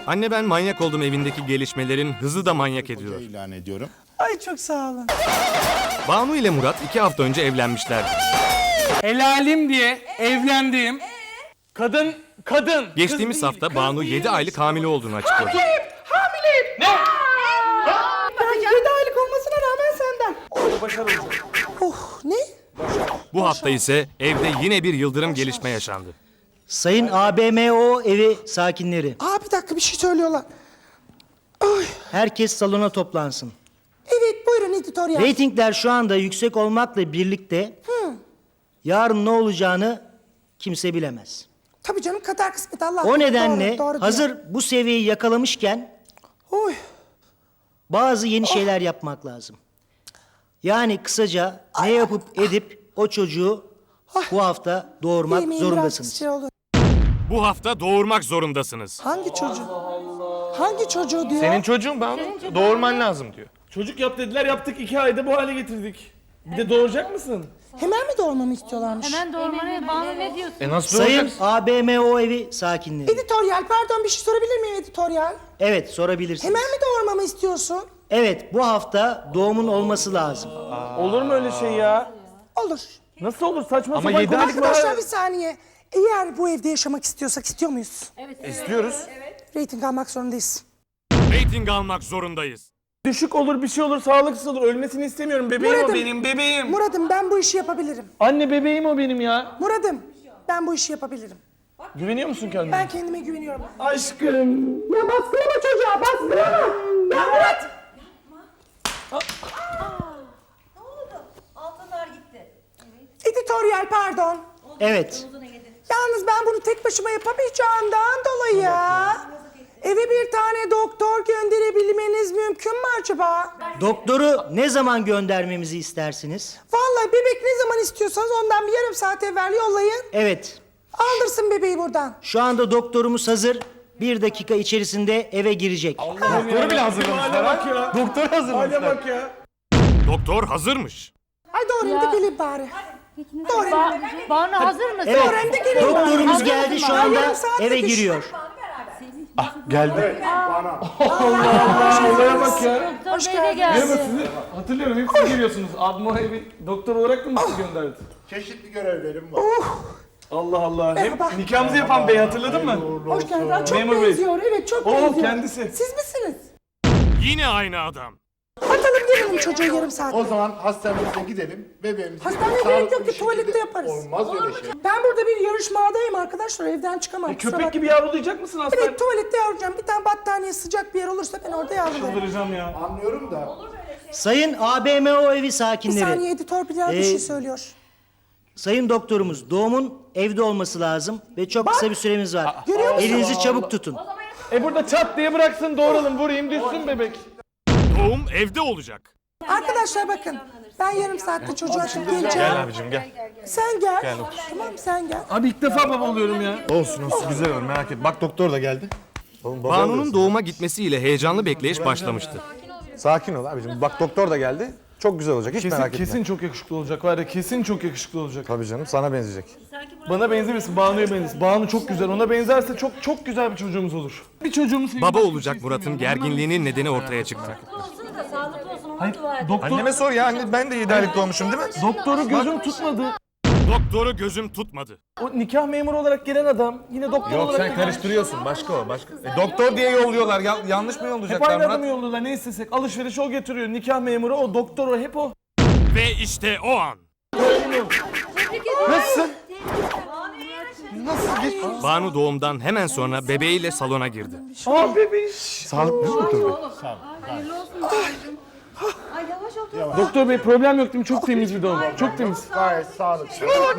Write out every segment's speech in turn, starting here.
Anne ben manyak oldum evindeki gelişmelerin hızı da manyak ediyor. İlan ediyorum. Ay çok sağ olun. Banu ile Murat 2 hafta önce evlenmişlerdi. Helalim diye evlendiğim kadın. Geçtiğimiz hafta Banu 7 aylık hamile olduğunu açıkladı. Hamileyim. Ne? Ben 7 aylık olmasına rağmen senden. Ne? Bu hafta ise evde yine bir yıldırım gelişme yaşandı. Sayın ABMO evi sakinleri, Bir dakika bir şey söylüyorlar. herkes salona toplansın. Evet buyurun editoryal. Reytingler şu anda yüksek olmakla birlikte yarın ne olacağını kimse bilemez. Tabii canım kader kısmet Allah. O nedenle Doğru hazır diyor. bu seviyeyi yakalamışken Oy. bazı yeni şeyler yapmak lazım. Yani kısaca ne yapıp edip o çocuğu bu hafta doğurmak Yemeğin biraz zorundasınız. şey olur. Bu hafta doğurmak zorundasınız. Hangi çocuğu? Hangi çocuğu diyor? Senin çocuğun Banu. Doğurman lazım diyor. Çocuk yap dediler, yaptık, 2 ayda bu hale getirdik. Bir de doğuracak mısın? Hemen mi doğurmamı istiyorlarmış? Hemen doğurmanı Banu ne diyorsun? Nasıl Sayın doğuracaksın? ABMO evi sakinleri. Editoryal pardon bir şey sorabilir miyim editoryal? Evet, sorabilirsiniz. Hemen mi doğurmamı istiyorsun? Evet, bu hafta doğumun olması lazım. Olur mu öyle şey ya? Olur. Nasıl olur, saçma Ama sapan 7 aylık konuşma. Arkadaşlar bir saniye. Eğer bu evde yaşamak istiyorsak istiyor muyuz? İstiyoruz. Rating almak zorundayız. Rating almak zorundayız. Düşük olur, bir şey olur, sağlıksız olur. Ölmesini istemiyorum. Bebeğim Muradım. o benim, bebeğim. Muradım ben bu işi yapabilirim. Anne bebeğim o benim ya. Muradım ben bu işi yapabilirim. Güveniyor musun kendine? Ben kendime güveniyorum. Aşkım. Ya baskılama çocuğa baskılama. Ya Murat. Ne oldu? Altınlar gitti. Editoryal pardon. Evet, Yalnız ben bunu tek başıma yapamayacağımdan dolayı eve bir tane doktor gönderebilmeniz mümkün mü acaba? doktoru ne zaman göndermemizi istersiniz? Vallahi bebek ne zaman istiyorsanız ondan bir yarım saat evvel yollayın. Evet, Aldırsın bebeği buradan. şu anda doktorumuz hazır. 1 dakika içerisinde eve girecek. Doktoru bile hazırlamışlar ha. Doktor Hale hazırlamışlar. bak ya. Doktor hazırmış. Ay doğru da gelin bari. Doğru. Banu hazır mısın? Evet, Hem de gelin doktorumuz bari. geldi şu Ben anda yarım saat eve yetiş- giriyor. Geldi. Olaya bak ya. Doktor Bey de geldi. Hatırlıyorum, hep siz geliyorsunuz. Abma evi doktor olarak mı sizi gönderdi? Çeşitli görevlerim var. Allah Allah. Merhaba. Hep nikahımızı yapan bey, hatırladın mı? Hoş geldin. Aa, çok Memur Bey. benziyor. Evet çok benziyor. Kendisi. Siz misiniz? Yine aynı adam. Atalım gelelim çocuğu yarım saat. O zaman hastanemize gidelim. Bebeğimizi Hastaneye sağlıklı gerek yok bir ki, şekilde- tuvalette yaparız. Olmaz öyle şey. Ben burada bir yarışmadayım arkadaşlar. Evden çıkamam. kusura Köpek bakmayın. gibi yavrulayacak mısın hastane? Evet tuvalette yavrulayacağım. Bir tane battaniye sıcak bir yer olursa ben orada yavrularım. Çıldıracağım ya. Anlıyorum da. Sayın ABMO evi Bir sakinleri, saniye editör bir şey söylüyor. sayın doktorumuz doğumun evde olması lazım ve çok kısa bir süremiz var. Görüyor musun? Elinizi çabuk tutun. Burada çat diye bıraksın, doğuralım, vurayım, düşsün bebek. Doğum evde olacak. Arkadaşlar bakın. Ben yarım saatte çocuğu açıp geleceğim. Gel abicim gel. Sen gel. Tamam sen gel. Abi ilk defa baba oluyorum ya. Olsun güzel olur merak etme. Bak doktor da geldi. Oğlum, baba Banu'nun oluyorsun. doğuma gitmesiyle heyecanlı bekleyiş başlamıştı. Sakin ol abicim. Bak doktor da geldi. Çok güzel olacak. Hiç merak etme. Kesin çok yakışıklı olacak var ya, kesin çok yakışıklı olacak. Tabii canım sana benzeyecek. Bana benzemesin, Banu'ya benzesin. Banu çok güzel, ona benzerse çok güzel bir çocuğumuz olur. Bir çocuğumuz Baba olacak Murat'ın gerginliğinin nedeni ortaya çıktı. Olsun da sağlıklı olsun onu dua et. Anneme sor ya. Anne, ben de 7 aylık doğmuşum değil mi? Doktoru gözüm tutmadı. Doktoru gözüm tutmadı. O nikah memuru olarak gelen adam yine doktor Yok olarak sen karıştırıyorsun. Başka o. Başka. Doktor diye yolluyorlar. Yanlış mı hep yollayacaklar aynı Murat? adamı yolluyorlar, ne istesek. Alışveriş o getiriyor, nikah memuru o, doktor o, hep o. Ve işte o an. Nasılsın? Banu doğumdan hemen sonra bebeğiyle salona girdi. Aa bebiş. Sağlıklı mı doktor bey? Ay yavaş ol. Doktor bey problem yok değil mi? Çok temiz bir doğum. Çok temiz. Gayet sağlıklı.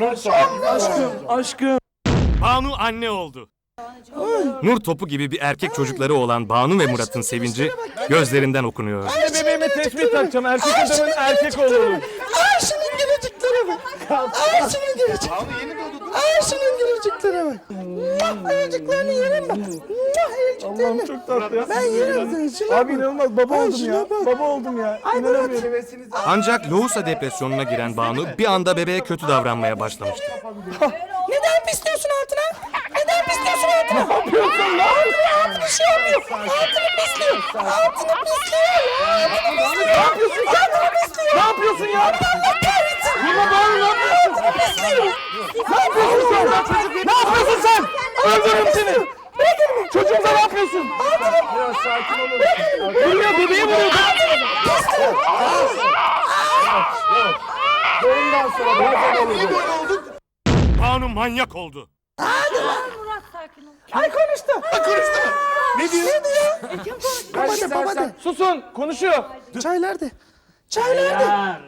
Aşkım. Banu anne oldu. Nur topu gibi bir erkek çocukları olan Banu ve Murat'ın sevinci gözlerinden okunuyor. Ben bebeğime tespih takacağım. Erkek adamın erkek oğlu. Ay şunun gülücüklere bak. Ay şunun gülücüklere. Ay şunun gülücüklere bak. Ayıcıklarını yerim ben. Ayıcıklarını. Çok tatlı ya. Ben yerim seni. Şuna Abi bak. inanılmaz, baba Ay, oldum ya. şuna bak. Baba oldum ya. Ay Murat. Ancak lohusa depresyonuna giren Banu bir anda bebeğe kötü davranmaya başlamıştı. Neden pisliyorsun altına? Neden pisliyorsun altına? yapıyorsun? Ne yapıyorsun? Bir şey olmuyor. Altını pisliyor. Altını pisliyor. Ne yapıyorsun sen? Ne yapıyorsun ya? Allah kahretsin. Yine Banu ne yapıyorsun? Ne yapıyorsun sen? Ne yapıyorsun sen? Öldürürüm seni. Çocuğumuza ne yapıyorsun? Biraz sakin olun. Vuruyor, bebeği vuruyor. Bundan sonra biraz olacak. Banu manyak oldu. Murat sakin ol. Ay konuştu. Ne diyor? Ne diyor? Ben Baba de baba de. istersen Susun, konuşuyor. Çay nerede? Çay nerede?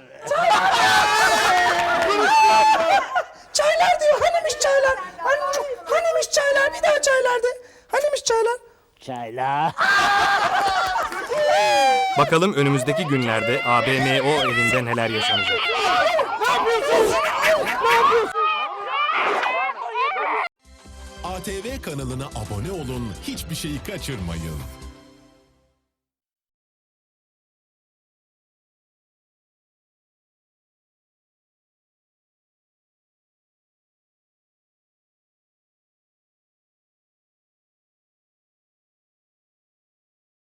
Çaylar diyor. Hanimiş çaylar? Hanimiş çaylar? Bir daha çaylar de. Hanimiş çaylar? Bakalım önümüzdeki günlerde ABMO evinde neler yaşanacak. ATV kanalına abone olun, hiçbir şeyi kaçırmayın.